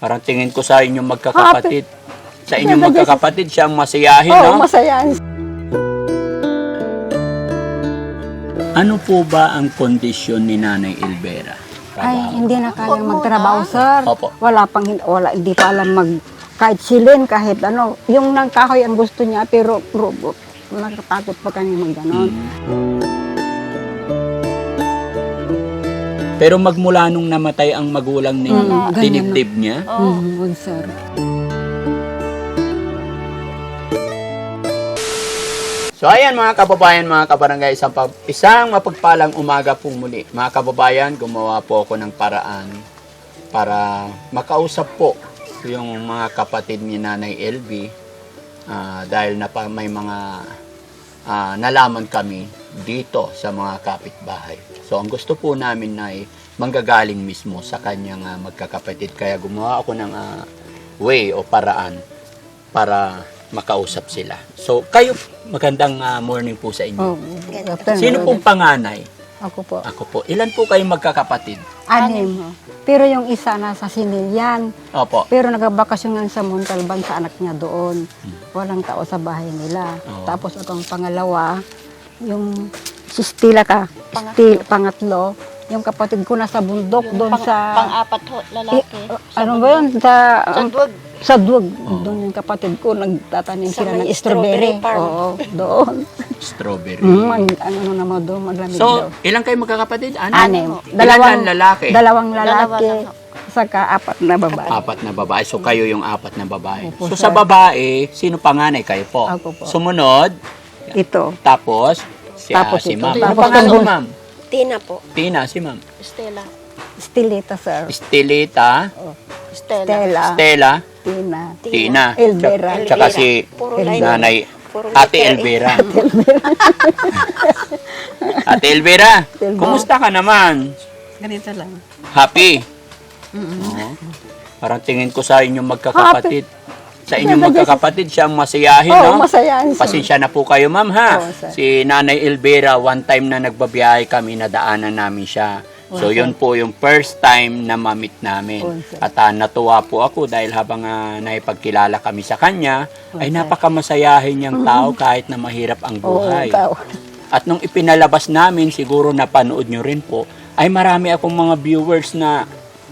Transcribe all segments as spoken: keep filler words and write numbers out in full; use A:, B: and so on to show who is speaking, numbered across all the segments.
A: Parang tingin ko sa inyong magkakapatid. Sa inyong
B: Ganda,
A: magkakapatid, siya ang masayahin,
B: Oo,
A: no?
B: masayahin.
A: Ano po ba ang kondisyon ni Nanay Elvera?
B: Ay,
A: Trabaho.
B: hindi na kayang magtrabaho, sir.
A: Opo.
B: Wala pang, wala, hindi pa alam mag, kahit silin, kahit ano. Yung nang kahoy ang gusto niya, pero robot. Nakatakot pa kami mag ganon.
A: Pero magmula nung namatay ang magulang ninyo,
B: Mm, ganyan
A: dinibdib niya?
B: Mm, wag, sir.
A: So ayan mga kababayan, mga kabarangay, isang, pag- isang mapagpalang umaga pong muli. Mga kababayan, gumawa po ako ng paraan para makausap po yung mga kapatid ni Nanay L V ah, dahil na pa may mga ah, nalaman kami dito sa mga kapitbahay. So ang gusto po namin na ay manggagaling mismo sa kanyang ah, magkakapatid. Kaya gumawa ako ng ah, way o paraan para makausap sila. So, kayo, magandang ah, morning po sa inyo.
B: Oh, good afternoon.
A: Sino pong panganay?
B: Ako po.
A: Ako po. Ilan po kayong magkakapatid?
B: Anim. Pero yung isa nasa Sinilian.
A: Opo.
B: Pero nagbakasyon nga sa Montalban sa anak niya doon. Walang tao sa bahay nila.
A: Oo.
B: Tapos akong pangalawa, yung si Stila ka, Stil, pangatlo, yung kapatid ko nasa bundok doon
C: Pang,
B: sa...
C: pang-apat ho, lalaki.
B: Eh, ano ba yun? Sa,
C: Sa duwag.
B: sa duwag. Doon yung kapatid ko, nagtatanim
C: Sa
B: sila
C: may
B: ng strawberry.
C: strawberry farm.
B: Oo, doon.
A: Strawberry.
B: Mm, ang, ang ano naman doon, maglamig
A: So,
B: daw.
A: ilan kayo magkakapatid? Ano?
B: Anim.
A: Ilan lalaki?
B: Dalawang
C: Dalawa
B: lalaki,
C: lang ho.
B: saka apat na babae.
A: Apat na babae. So, kayo yung apat na babae.
B: Opo,
A: So,
B: sir.
A: sa babae, sino panganay? Kayo po.
B: Ako po.
A: Sumunod,
B: Ito.
A: tapos, si, ah,
B: Tapos
A: si
B: ito.
A: ma'am. Ano
B: Tapos
A: pangalan
B: ang
A: mo, ma'am?
C: Tina po.
A: Tina, si ma'am.
C: Stella.
B: Stilita, sir.
A: Estelita,
C: Stella.
B: Stella.
A: Stella,
B: Tina.
A: Tina,
B: Elvera.
A: tsaka- tsaka si
C: Puro
B: Elvera.
C: line.
A: Nanay
C: Puro
A: Ate
C: letter A.
A: Elvera. Ate Elvera,
B: Elvera.
A: kumusta ka naman?
B: Ganito lang.
A: Happy? Oo. Parang tingin ko sa inyong magkakapatid. Sa inyong magkakapatid, siya ang masayahin,
B: Oo,
A: no?
B: masayahin, sir.
A: Pasensya na po kayo, ma'am, ha?
B: Oo, sir.
A: Si Nanay Elvera, one time na nagbabiyahe kami, nadaanan namin siya. So,
B: Oo,
A: yun po yung first time na mamit namin.
B: Oo, sir.
A: At ah, natuwa po ako dahil habang uh, naipagkilala kami sa kanya, ay
B: sir.
A: napakamasayahin niyang tao kahit na mahirap ang
B: Oo,
A: buhay.
B: tao.
A: At nung ipinalabas namin, siguro napanood nyo rin po, ay marami akong mga viewers na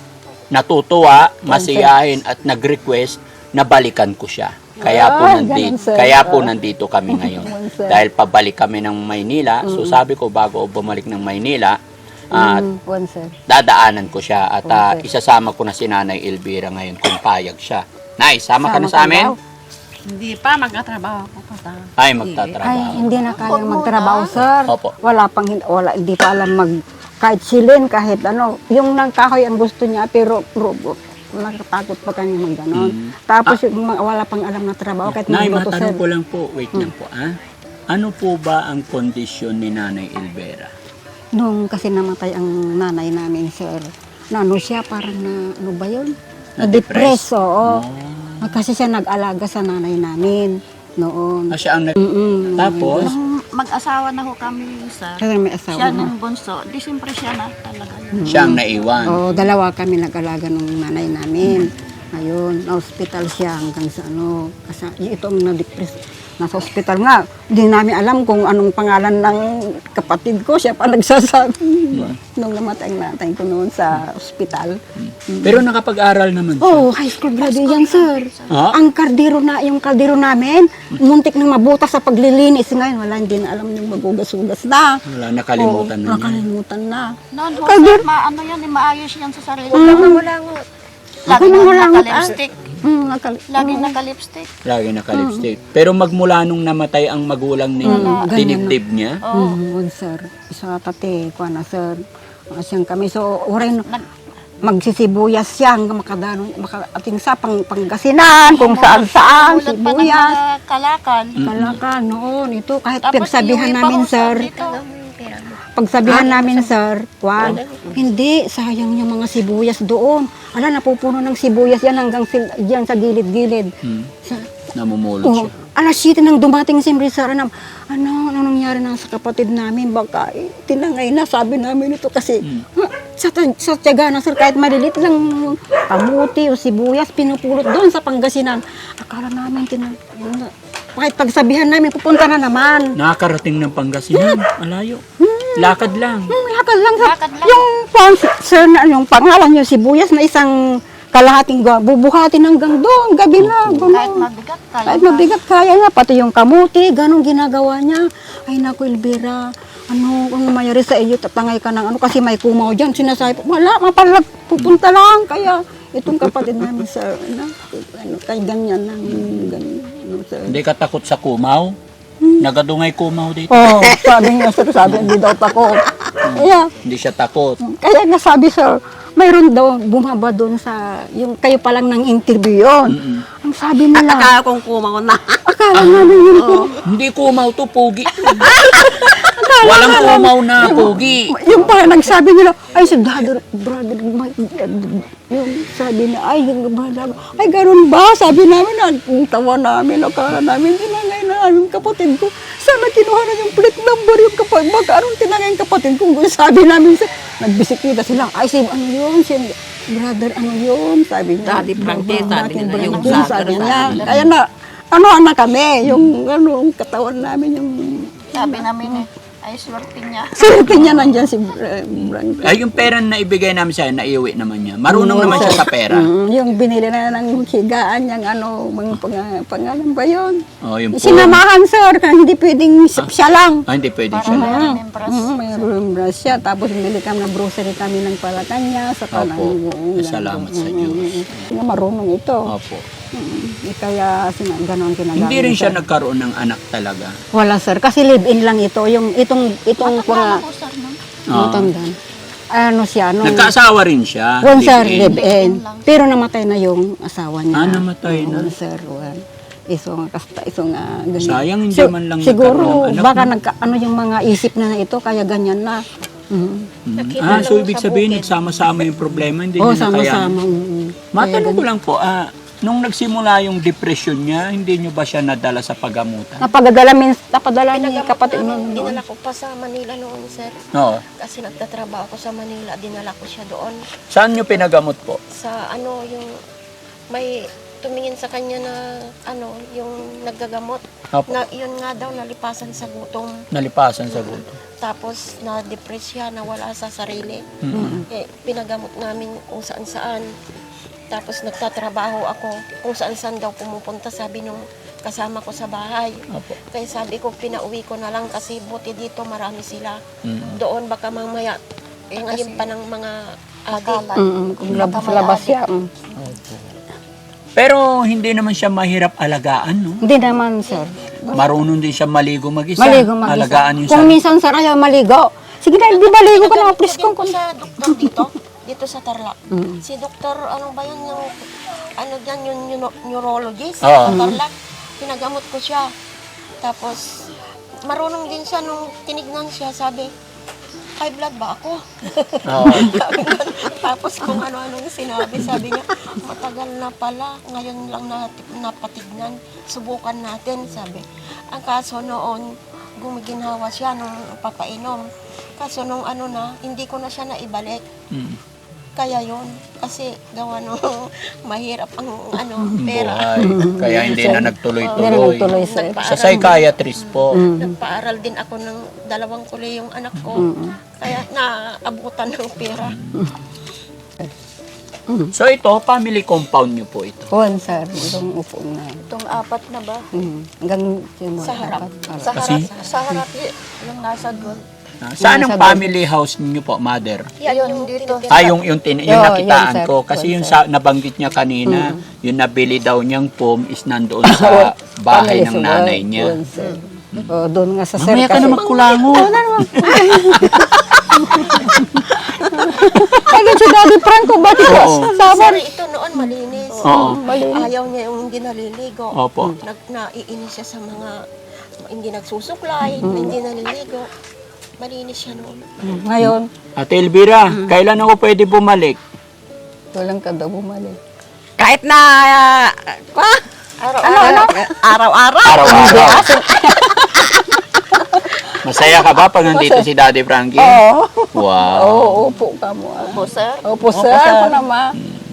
A: natutuwa, masiyahin at nag-request na balikan ko siya. Kaya po
B: Ah,
A: nandito,
B: ganun, sir.
A: kaya po nandito kami ngayon.
B: Ganun, sir.
A: Dahil pabalik kami ng Maynila, so sabi ko bago ako bumalik ng Maynila, at
B: Mm, one, sir.
A: dadaanan ko siya at ah,
B: Okay.
A: isasama ko na si Nanay Elvira ngayon kung payag siya. Nay, sama ka na sa
B: Sama ka
A: amin?
B: daw?
D: Hindi pa, magkatrabaho ako pa sa...
A: Ay,
B: Ay,
A: magtatrabaho.
B: hindi na kayang magtrabaho, sir.
A: Opo.
B: Wala pang, wala, hindi pa alam mag, kahit silin, kahit ano. Yung nang kahoy ang gusto niya, pero robot. Nakatakot pa kami mag ganon.
A: Mm.
B: Tapos yung mga wala pang alam na trabaho, kahit
A: Nay,
B: magluto, sir.
A: matanong ko lang po, wait lang po, ah. Ano po ba ang kondisyon ni Nanay Elvera?
B: Nung kasi namatay ang nanay namin, sir, na ano siya, parang na, ano ba yun?
A: Na-depress?
B: Na-depress, oo.
A: Oh.
B: Kasi siya nag-alaga sa nanay namin noon.
A: Ah, siya ang nag...
B: Mm-mm.
A: Tapos?
D: Nung mag-asawa na ho kami, sir.
B: Kasi may asawa
D: Siya
B: na.
D: nung bunso. Di siyempre siya na talaga yun.
A: Siya ang naiwan.
B: Oo, dalawa kami nag-alaga ng nanay namin. Ngayon, na-hospital siya hanggang sa ano, kasi ito ang na-depress. Nasa hospital nga, hindi namin alam kung anong pangalan ng kapatid ko. Siya pa nagsasabi. Nung namatay ang natay ko noon sa hospital.
A: Pero nakapag-aral naman siya.
B: Oh, high school graduate yan, sir.
A: Ah?
B: Ang kardero na, yung kaldero namin, muntik nang mabutas sa paglilinis. Ngayon, wala, hindi na alam yung magugas-ugas na.
A: Wala, nakalimutan na
B: Oo,
A: niya.
B: nakalimutan na.
D: Noon ho, sir, maano yan, eh, maayos yan sa sarili.
C: Mangulangot.
D: Lagi
B: Ako nang
D: na
B: walang-
D: naka-lipstick.
B: Mm, nakal-
D: Lagi naka-lipstick.
A: Lagi nakalipstick. Pero magmula nung namatay ang magulang ninyo,
B: Mm, ganyan
A: dinibdib niya?
D: Oo.
B: Mm, wag, sir. Isa tate, kuha na, sir. Asyang kami. So, oray, magsisibuyas siya hanggang makadano, makaating sa pang, pangasinan, kung saan-saan,
D: Tulad pa ng
B: sibuyas.
D: mga kalakal.
B: Kalakan, noon, ito, kahit
D: Tapos
B: pagsabihan
D: iuwi pa
B: namin,
D: ho sa
B: sir,
D: dito.
B: pagsabihan namin, sir, kwan, hindi, sayang yung mga sibuyas doon. Ala, napupuno ng sibuyas yan hanggang sil- diyan sa gilid-gilid.
A: Hmm.
B: Sa,
A: Namumulot
B: oh,
A: siya.
B: alas siyete nang dumating si Sir, ano, ano, ano nangyari na sa kapatid namin, baka eh, tinangay na, sabi namin ito kasi,
A: Hmm.
B: ha, sa, sa tiyaga na, sir, kahit malilit lang kamuti o sibuyas, pinupulot doon sa Pangasinan. Akala namin, tina, kahit pagsabihan namin, pupunta na naman.
A: Nakakarating ng Pangasinan. Malayo. Lakad lang.
B: Hmm, lakad lang. Sa,
D: Lakad lang.
B: Yung, pang- sir, na, yung pangalan yung sibuyas na isang kalahating ga- bubuhatin hanggang doon, gabi na.
D: Kahit
B: Ganun.
D: mabigat, kaya
B: Kahit mabigat, kaya nga. Pati yung kamuti, ganun ginagawa niya. Ay, naku, Elvira, ano, kung mayari sa iyo, tatangay ka ng ano, kasi may kumaw dyan. Sinasabi, wala, mapalag, pupunta lang. Kaya, itong kapatid namin, sir, ano, ano kay ganyan lang, ganyan, ano, sir.
A: Hindi ka takot sa kumaw? Nagadungay kumaw dito.
B: Oh, sabi niya, sir, sabi, hindi daw takot. Kaya,
A: Hindi siya takot.
B: kaya nga sabi, sir, mayroon daw bumaba doon sa, yung kayo pa lang ng interview yun.
A: Mm-mm.
B: Ang sabi nila,
C: Akala kong kumaw na.
B: akala namin yun po.
A: Hindi kumaw to, pugi. Walang kumaw na pugi.
B: Yung pa, nagsabi nila, ay si brother, brother, my, yung sabi na, ay, yung brother, ay, ganun ba? Sabi namin, ang tawa namin, akala namin, tinangay na yung kapatid ko. Sana kinuha na yung plate number yung kapatid, baka anong tinangay yung kapatid ko? Sabi namin, sa, nagbisiklita sila, ay, si, ano yun, si, brother, ano yun? Sabi niya,
C: Daddy Frankie, sabi
B: Daddy
C: nila, yung
B: Frankie,
C: brother,
B: sabi
C: sabi
B: niya.
C: nila.
B: Kaya na, ano na kami, yung, ano, yung katawan namin, yung,
D: sabi namin eh, ay swerte niya.
B: swerte niya nandyan si uh, Frankie.
A: Ay, yung pera na ibigay namin sa'yo, naiuwi naman niya. Marunong naman siya sa pera.
B: Mm, yung binili na ng higaan, yung ano, mga pang, pangalan ba yun?
A: Oh, yung po.
B: Sinamahan, sir, kaya hindi pwedeng siya lang.
A: Ah, hindi pwede
D: Para
A: siya.
D: meron yung bras.
B: Mm, may room siya. Tapos bili kami ng grocery kami ng Palatanya. Sa
A: Opo.
B: kanang
A: Salamat sa Diyos.
B: Nga marunong ito.
A: Opo.
B: Mm, kaya sina, ganon kinagamit.
A: Hindi rin siya
B: sir.
A: nagkaroon ng anak talaga.
B: Wala, sir. Kasi live-in lang ito. Yung itong, itong
D: Matanda
B: mga,
D: ko, sir, no?
A: Ah.
B: matanda. Ano siya, nung,
A: Nagkaasawa rin siya.
B: One, sir,
A: live-in.
B: live-in. Pero namatay na yung asawa niya.
A: Ah, namatay na.
B: One, sir, one. Iso nga, kasta, iso nga, ganyan.
A: Sayang, hindi
B: Si-
A: man lang
B: siguro,
A: nagkaroon ng anak,
B: baka
A: no?
B: nagka, ano yung mga isip na na ito, kaya ganyan na. Mhm.
C: Nakita
A: Ah, so
C: lang
A: ibig
C: sa
A: sabihin,
C: bukid.
A: nagsama-sama yung problema, hindi
B: Oo,
A: niyo na kaya.
B: sama-sama. mhm.
A: Matanong ko lang po, ah, nung nagsimula yung depression niya, hindi niyo ba siya nadala sa pagamutan?
B: Napagadala, min, napadala ni
C: Pinagamot
B: kapatid mo.
C: namin, dinala ko pa sa Manila noon, sir.
A: Oo.
C: Kasi nagtatrabaho ako sa Manila, dinala ko siya doon.
A: Saan niyo pinagamot po?
C: Sa ano, yung may tumingin sa kanya na ano, yung naggagamot.
A: Opo.
C: Na, yun nga daw, nalipasan sa gutom.
A: Nalipasan sa gusto.
C: Tapos na-depress siya, nawala sa sarili.
A: Mm.
C: Eh, pinagamot namin kung saan-saan. Tapos nagtatrabaho ako kung saan-saan daw pumupunta, sabi nung kasama ko sa bahay.
A: Opo.
C: Kaya sabi ko, pinauwi ko na lang kasi buti dito marami sila.
A: Mm.
C: Doon baka mamaya, eh, ngayon pa ng mga adik.
B: Mm, kung labas, labas siya. mm.
A: Pero hindi naman siya mahirap alagaan, no?
B: Hindi naman, sir.
A: Marunong din siya maligo mag-isa.
B: Maligo mag
A: Alagaan yung
B: Kung
A: sarili.
B: minsan, sir, ayaw maligo. Sige na, di maligo ka na,
C: Pinagamot ko
B: please
C: din
B: kung
C: po sa doktor dito, dito sa Tarlac.
B: Mm.
C: Si doktor, ano ba yan, yung, ano dyan, yung neuro- neurologist
A: Oo.
C: sa Tarlac. Pinagamot ko siya. Tapos, marunong din siya nung tinignan siya, sabi, high blood ba ako?
A: Oo.
C: Sabi niya, tapos kung ano-anong sinabi, sabi niya, matagal na pala, ngayon lang nat- napatignan, subukan natin, sabi. Ang kaso noon, gumiginhawa siya nung papainom. Kaso nung ano na, hindi ko na siya naibalik.
A: Mm.
C: Kaya yun, kasi gawa no, mahirap ang ano, pera.
A: Buhay. Kaya hindi na
B: Hindi na
A: nagtuloy-tuloy.
B: nagtuloy, sir.
A: Sa psychiatrist po.
C: Nagpaaral din ako ng dalawang kulay yung anak ko. Kaya naabutan ng pera.
A: So ito, family compound niyo po ito.
B: Kuwan, sir. Itong upo na.
D: Itong apat na ba?
B: Mm. Hanggang yung
C: Sa harap.
B: dapat-
C: Sa
A: Kasi?
C: harap, sa harap. y-
D: Yung nasa doon.
A: Ah, Saan ang family house niyo po, mother?
C: Yan
D: Ayun,
C: yung
D: dito.
C: tinitira.
A: Ah, yung, yung, tin, yung
B: Yo,
A: nakitaan
B: yan, sir.
A: ko. Kasi
B: Yan,
A: yung
B: sir.
A: sa, nabanggit niya kanina, yung nabili daw niyang foam is nandoon sa bahay ng nanay niya.
B: Kuwan, sir. O, doon nga sa sir.
A: Mamaya ka na magkulango.
B: Ano si Daddy Franco, ba't ito?
A: Oo.
B: Sabar.
C: Sir, ito noon malinis.
A: Oo.
C: Ayaw niya yung hindi naliligo.
A: Opo.
C: Nag, naiinis siya sa mga hindi nagsusuklay, hindi naliligo. Malinis siya noon.
B: Ngayon,
A: Ate Elvira, kailan ako pwede bumalik?
B: walang ka daw bumalik.
E: Kahit na, uh, pa,
C: Araw-araw.
E: araw-araw.
A: Araw-araw. Masaya ka ba pag nandito si Daddy Frankie?
B: Oo.
A: Wow.
B: Oo, opo ka mo. ah.
D: Opo, sir.
B: Opo, sir. Ako naman.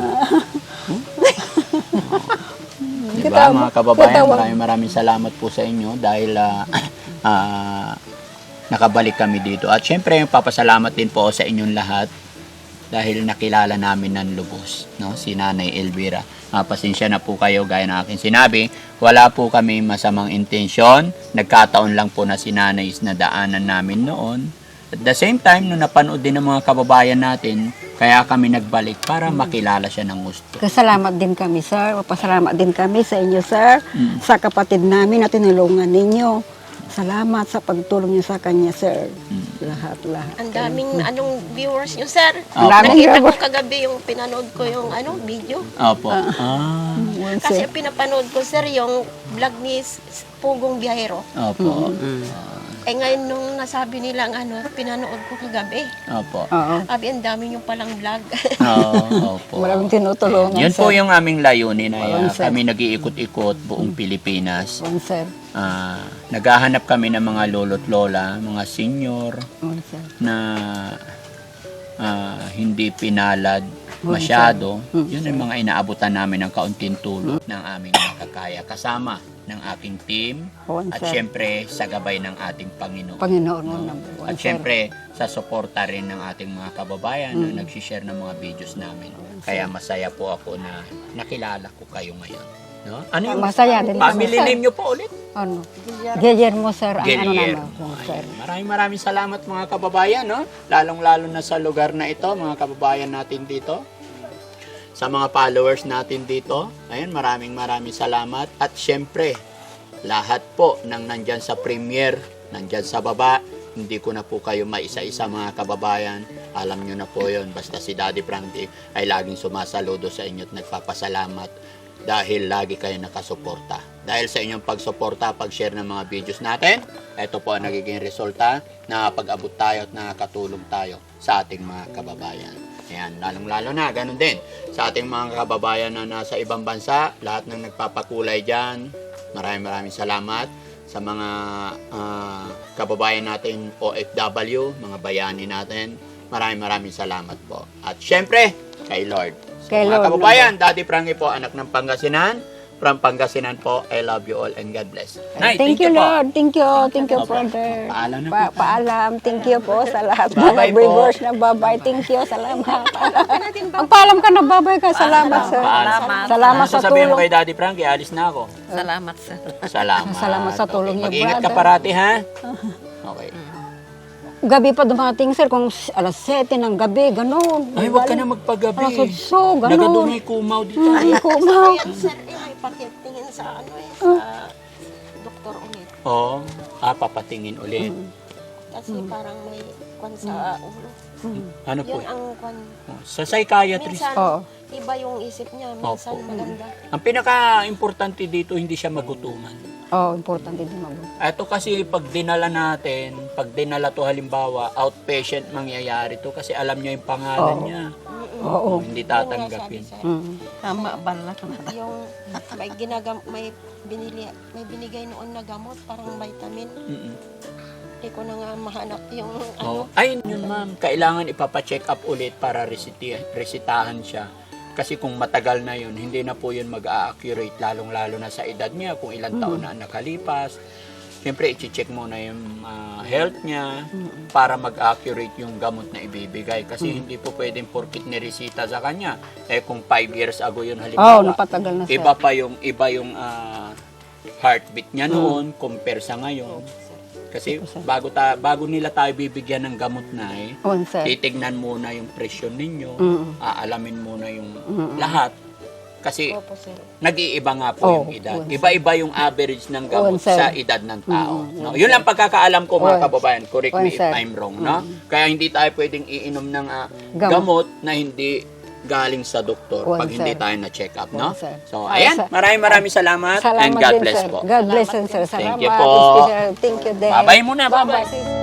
A: Diba, mga kababayan,
B: kita-
A: maraming maraming salamat po sa inyo dahil ah, ah, nakabalik kami dito. At syempre, papasalamat din po ako sa inyong lahat dahil nakilala namin ng lubos, no? Si Nanay Elvira. Ah, pasensya na po kayo, gaya ng aking sinabi, wala po kami masamang intensyon. Nagkataon lang po na si Nanay is nadaanan namin noon. At the same time, nung napanood din ng mga kababayan natin, kaya kami nagbalik para makilala siya ng gusto.
B: Kasalamat din kami, sir. Pasalamat din kami sa inyo, sir. Sa kapatid namin na tinulungan ninyo. Salamat sa pagtulong niyo sa kanya, sir. Lahat-lahat.
C: Ang daming anong viewers nyo, sir.
B: Ang daming
C: Nakita ko
B: viewers.
C: kagabi yung pinanood ko yung ano video.
A: Opo. Ah,
B: Yun,
C: Kasi
B: sir.
C: pinapanood ko, sir, yung vlog ni S- Pugong Biyahero.
A: opo.
C: Eh ngayon nung nasabi nilang ano, pinanood ko kagabi.
A: Opo.
B: Oo.
C: Sabi, ang dami yung palang vlog.
A: Oo, opo.
B: Maraming tinutulungan,
A: Yun
B: sir.
A: po yung aming layunin ay
B: Walang
A: ah,
B: sir.
A: kami nag-iikot-ikot buong Pilipinas.
B: Yun, sir.
A: Ah, naghahanap kami ng mga lolo't lola, mga senior
B: Yun, sir.
A: na ah, hindi pinalad masyado. Yun ang mga inaabutan namin ng kaunting tulong ng aming makakaya. Kasama ng aking team
B: Yun,
A: at
B: sir.
A: syempre sa gabay ng ating Panginoon.
B: Panginoon mo number one,
A: At
B: sir.
A: syempre, sa suporta rin ng ating mga kababayan na nagsishare ng mga videos namin. Kaya masaya po ako na nakilala ko kayo ngayon. No? Ano yung
B: Masaya din kami,
A: family
B: sir.
A: name nyo po ulit?
B: Ano? Guillermo, sir. Ang ano
A: Guillermo.
B: naman, yun, sir.
A: Ayan. Maraming maraming salamat mga kababayan. No? Lalong-lalo na sa lugar na ito, mga kababayan natin dito. Sa mga followers natin dito. Ayan, maraming maraming salamat. At syempre, lahat po ng nandyan sa premiere, nandyan sa baba, hindi ko na po kayo maisa-isa mga kababayan. Alam nyo na po yun. Basta si Daddy Frankie ay laging sumasaludo sa inyo at nagpapasalamat dahil lagi kayo nakasuporta. Dahil sa inyong pagsuporta, pag-share ng mga videos natin, ito po ang nagiging resulta na pag-abot tayo at nakakatulong tayo sa ating mga kababayan. Ayan, lalong-lalo na, ganun din. Sa ating mga kababayan na nasa ibang bansa, lahat ng nagpapakulay dyan, maraming maraming salamat. Sa mga ah, kababayan natin O F W, mga bayani natin, maraming maraming salamat po. At syempre, kay Lord. So,
B: Kay
A: mga
B: Lord,
A: kababayan, Daddy Frankie po, anak ng Pangasinan. From Pangasinan po, I love you all and God bless. Nay,
B: Thank, you,
A: po.
B: Lord. Thank you. Thank you,
A: Opo.
B: brother.
A: Paalam na
B: Pa
A: po.
B: paalam. Thank you po sa lahat ng
A: Bye-bye po.
B: viewers na babay. Thank you. Salamat. Magpaalam ka na babay ka. Salamat, sir.
A: Paalam.
B: Salamat
A: Ano
B: sa
A: sasabihin mo
B: tulong.
A: kay Daddy Frankie? Alis na ako.
E: Salamat, sir.
A: Salamat.
B: Salamat sa tulong niyo,
A: Mag-ingat ka
B: brother.
A: parati, ha? Okay.
B: Gabi pa dumating, sir. Kung alas sete ng gabi, gano'n.
A: Ay, huwag ka na magpagabi.
B: Alas otso, gano'n.
A: Nagadungay kumaw dito.
B: Ay, kumaw.
C: Ayan, sir, eh, may pakitingin sa ano eh, sa doktor ulit.
A: Oo. Ah, papatingin ulit.
C: Kasi parang may kwan sa ulo.
A: Ano po?
C: Yun ang kwan.
A: Sa psychiatrist.
C: Minsan,
B: Oo.
C: iba yung isip niya. Minsan
A: Opo.
C: maganda.
A: Ang pinaka-importante dito, hindi siya magutuman.
B: Oh, importante din mabuti.
A: Ito kasi pag dinala natin, pag dinala to halimbawa, outpatient mangyayari to kasi alam niya yung pangalan
B: Oo.
A: niya.
B: Oo.
A: Hindi
C: Yun nga
A: tatanggapin.
C: sabi, sir.
B: Mm.
E: Tama, balak na.
C: Yung may ginagam may binili may binigay noon na gamot parang vitamin.
A: Mm-mm.
C: Hindi ko na nga mahanap yung
A: Oh.
C: ano.
A: Ay, yun ma'am, kailangan ipapa-check up ulit para resiti- resitahan siya. Kasi kung matagal na yun, hindi na po yun mag-a-accurate, lalong-lalo na sa edad niya, kung ilang taon na ang nakalipas. Siyempre, i-check muna yung ah, health niya para mag-accurate yung gamot na ibibigay. Kasi hindi po pwedeng porkit niresita sa kanya. Eh kung five years ago yun
B: Oh,
A: halimbawa,
B: napatagal na, sir.
A: iba pa yung, iba yung ah, heartbeat niya noon compare sa ngayon. Kasi bago, ta, bago nila tayo bibigyan ng gamot na eh,
B: On, sir.
A: titignan muna yung presyon ninyo,
B: Mm.
A: aalamin muna yung lahat. Kasi
C: Opo, sir.
A: nag-iiba nga po
B: Oh,
A: yung edad.
B: oo,
A: Iba-iba yung average ng gamot
B: Oo, sir.
A: sa edad ng tao.
B: Mm,
A: no? Yun lang pagkakaalam ko mga
B: Oo.
A: kababayan. Correct
B: Oo,
A: me if
B: sir.
A: I'm wrong. No? Kaya hindi tayo pwedeng iinom ng ah,
B: Gamot.
A: gamot na hindi galing sa doktor
B: Oo,
A: pag hindi
B: sir.
A: tayo na-check up. No?
B: Oo, sir.
A: So,
B: Oo,
A: ayan.
B: sir.
A: Maraming maraming salamat.
B: Salamat
A: and God
B: din,
A: bless
B: sir.
A: po.
B: God bless, sir. Salamat.
A: Thank you po.
B: Thank you din.
A: Bye-bye muna. Bye-bye.
B: Bye-bye.